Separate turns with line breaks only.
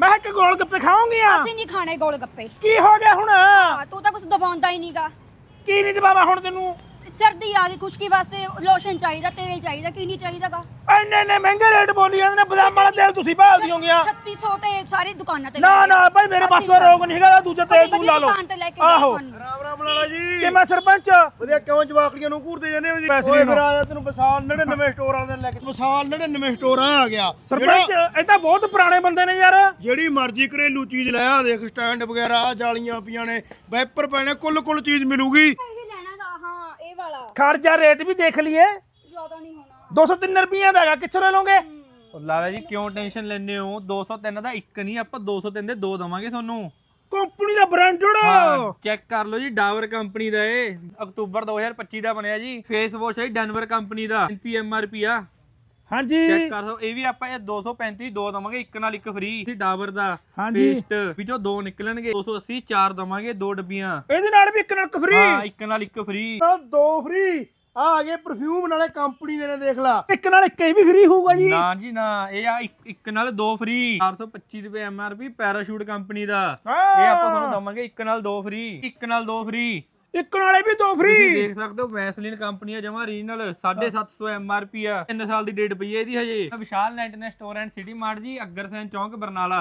ਮੈਂ ਇੱਕ ਗੋਲ ਗੱਪੇ ਖਾਵਾਂਗੀ ਆ।
ਅਸੀਂ ਨਹੀਂ ਖਾਣੇ ਗੋਲ ਗੱਪੇ।
ਕੀ ਹੋ ਗਿਆ ਹੁਣ?
ਤੂੰ ਤਾਂ ਕੁਝ ਦਬਾਉਂਦਾ ਹੀ ਨਹੀਂਗਾ।
ਕੀ ਨਹੀਂ ਦਬਾਵਾ ਹੁਣ ਤੈਨੂੰ?
ਸਰਦੀ ਆ ਗਈ, ਖੁਸ਼ਕੀ ਵਾਸਤੇ ਲੋਸ਼ਨ ਚਾਹੀਦਾ, ਤੇਲ ਚਾਹੀਦਾ, ਕੀ ਨਹੀਂ ਚਾਹੀਦਾਗਾ।
ਇੰਨੇ ਮਹਿੰਗੇ ਰੇਟ ਬੋਲੀ ਜਾਂਦੇ ਨੇ। ਬਦਾਮ ਵਾਲਾ ਤੇਲ ਤੁਸੀਂ ਭਾਲਦੀ ਹੋਗੀਆਂ
3600 ਤੇ ਸਾਰੀ ਦੁਕਾਨਾਂ ਤੇ।
ਨਾ ਭਾਈ ਮੇਰੇ ਪਾਸ ਰੋਗ ਨਹੀਂ ਹੈਗਾ। ਦੂਜਾ ਤੇਲ ਤੂੰ ਲਾ ਲਓ।
ਦੁਕਾਨ ਤੇ ਲੈ ਕੇ
ਆਹੋ
ਰਾਮ ਰਾਮ ਲਾਲਾ ਜੀ।
ਕਿ ਮੈਂ ਸਰਪੰਚ
ਵਧੀਆ ਕਿਉਂ ਜਵਾਕੜੀਆਂ ਨੂੰ ਘੂਰਦੇ ਜਾਂਦੇ ਹੋ ਜੀ?
ਪੈਸੇ
ਓਏ
ਨੂੰ।
ਫਿਰ ਆਇਆ ਤੈਨੂੰ ਵਿਸਾਲ 99 ਸਟੋਰ ਵਾਲੇ ਦਿਨ ਲੈ ਕੇ। ਵਿਸਾਲ 99 ਸਟੋਰ ਆ ਗਿਆ
ਸਰਪੰਚ। ਇਹ ਤਾਂ ਬਹੁਤ ਪੁਰਾਣੇ ਬੰਦੇ ਨੇ ਯਾਰ।
ਜਿਹੜੀ ਮਰਜ਼ੀ ਘਰੇਲੂ ਚੀਜ਼ ਲੈ ਆ, ਦੇਖ ਸਟੈਂਡ ਵਗੈਰਾ ਜਾਲੀਆਂ ਪਈਆਂ ਨੇ, ਵਾਈਪਰ ਪੈਣੇ, ਕੁੱਲ ਚੀਜ਼ ਮਿਲੂਗੀ।
ਇਹ ਲੈਣਾਗਾ। ਹਾਂ ਇਹ ਵਾਲਾ
ਖਰਚਾ ਰੇਟ ਵੀ ਦੇਖ ਲਈਏ।
ਜ਼ਿਆਦਾ ਨਹੀਂ ਹੋਣਾ।
203 ਰੁਪਈਆ ਦਾ ਹੈਗਾ। ਕਿੱਥੋਂ ਲੈ ਲਓਗੇ?
ਲਾਲਾ ਜੀ ਕਿਉਂ ਟੈਨਸ਼ਨ ਲੈਂਦੇ ਹੋ? 203 ਦਾ ਇੱਕ ਨਹੀਂ, ਆਪਾਂ 203 ਦੇ ਦੋ ਦਵਾਂਗੇ ਤੁਹਾਨੂੰ।
ਕੰਪਨੀ ਦਾ ਬ੍ਰਾਂਡਡ।
ਚੈੱਕ ਕਰ ਲਓ ਜੀ, ਡਾਬਰ ਕੰਪਨੀ ਦਾ ਇਹ ਅਕਤੂਬਰ 2025 ਦਾ ਬਣਿਆ ਜੀ। ਫੇਸ ਵਾਸ਼ ਹੈ ਡੈਨਵਰ ਕੰਪਨੀ ਦਾ, 35 MRP ਆ।
ਹਾਂਜੀ
ਚੈੱਕ ਕਰ ਲਓ। ਇਹ ਵੀ ਆਪਾਂ ਇਹ 235 ਦੋ ਦਵਾਂਗੇ, ਇੱਕ ਨਾਲ ਇੱਕ ਫ੍ਰੀ। ਡਾਬਰ ਦਾ
ਹਾਂਜੀ।
ਪੇਸਟ ਵਿੱਚੋਂ ਦੋ ਨਿਕਲਣਗੇ। 280 ਚਾਰ ਦਵਾਂਗੇ, ਦੋ ਡੱਬੀਆਂ।
ਇਹਦੇ ਨਾਲ ਵੀ ਇੱਕ ਨਾਲ ਫ੍ਰੀ।
ਹਾਂ ਇੱਕ ਨਾਲ ਇੱਕ ਫ੍ਰੀ।
ਦੋ ਫ੍ਰੀ ਆ ਗਏ ਪਰਫਿਊਮ ਨਾਲੇ ਕੰਪਨੀ ਦੇ ਨੇ, ਦੇਖ ਲਾ।
ਇੱਕ ਨਾਲ ਇੱਕ ਹੀ ਵੀ ਫ੍ਰੀ ਹੋਊਗਾ ਜੀ।
ਨਾ ਜੀ ਨਾ, ਇਹ ਆ ਇੱਕ ਨਾਲ ਦੋ ਫ੍ਰੀ। 425 ਰੁਪਏ MRP ਪੈਰਾਸ਼ੂਟ ਕੰਪਨੀ ਦਾ। ਇਹ ਆਪਾਂ ਤੁਹਾਨੂੰ ਦਵਾਂਗੇ ਇੱਕ ਨਾਲ ਦੋ ਫ੍ਰੀ। ਇੱਕ ਨਾਲ ਦੋ ਫ੍ਰੀ।
ਇੱਕ ਨਾਲੇ ਵੀ ਦੋ ਫ੍ਰੀ।
ਤੁਸੀਂ ਦੇਖ ਸਕਦੇ ਹੋ ਵੈਸਲੀਨ ਕੰਪਨੀ ਆ, ਜਮਾ ਰੀਜਨਲ, 750 MRP ਆ। 3 ਸਾਲ ਦੀ ਡੇਟ ਪਈ ਹੈ ਇਹਦੀ ਹਜੇ। ਵਿਸ਼ਾਲ ਨੈਟ ਨੇ store and city mart ji, Agrasen ਚੌਂਕ, ਬਰਨਾਲਾ।